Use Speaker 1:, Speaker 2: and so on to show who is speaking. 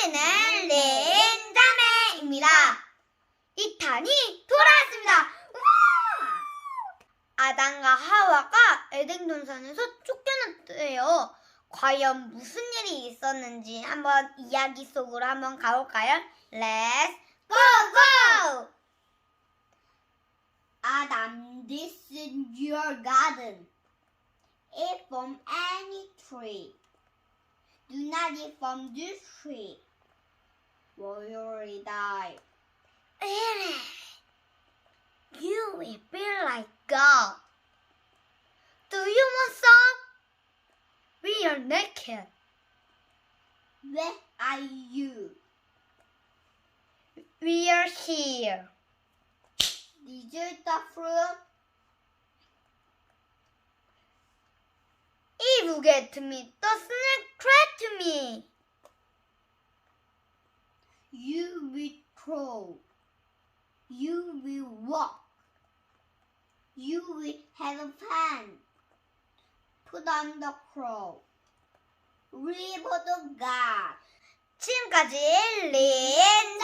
Speaker 1: 우리는 린자매입니다. 2탄이 돌아왔습니다. 우와! 아담과 하와가 에덴 동산에서 쫓겨났대요. 과연 무슨 일이 있었는지 한번 이야기 속으로 한번 가볼까요? Let's go go! Adam, this is your garden. Eat from any tree. Do not eat from this tree, or you will die. You will be like God. Do you want some? We are naked. Where are you? We are here. Did you eat the fruit? Eve get to me. The snake tried to me. You will crawl. You will walk. You will have fun. Put on the crow. Read the God. 지금까지 린